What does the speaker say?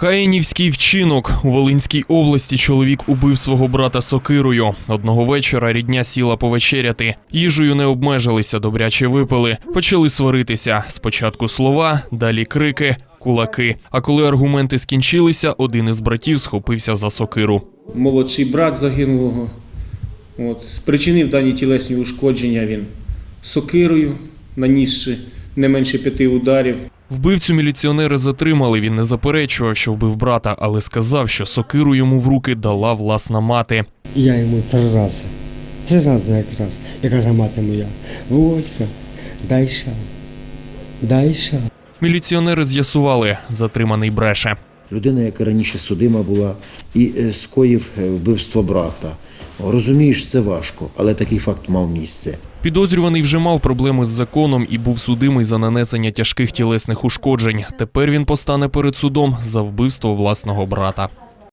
Каїнівський вчинок. У Волинській області чоловік убив свого брата сокирою. Одного вечора рідня сіла повечеряти. Їжею не обмежилися, добряче випили. Почали сваритися. Спочатку слова, далі крики, кулаки. А коли аргументи скінчилися, один із братів схопився за сокиру. Молодший брат загинулого спричинив дані тілесні ушкодження він сокирою, нанісши не менше 5 ударів. Вбивцю міліціонери затримали. Він не заперечував, що вбив брата, але сказав, що сокиру йому в руки дала власна мати. Я йому 3 рази якраз, я каже, мати моя, Володька, дай шаг. Міліціонери з'ясували, затриманий бреше. Людина, яка раніше судима була і скоїв вбивство брата. Розумієш, це важко, але такий факт мав місце. Підозрюваний вже мав проблеми з законом і був судимий за нанесення тяжких тілесних ушкоджень. Тепер він постане перед судом за вбивство власного брата.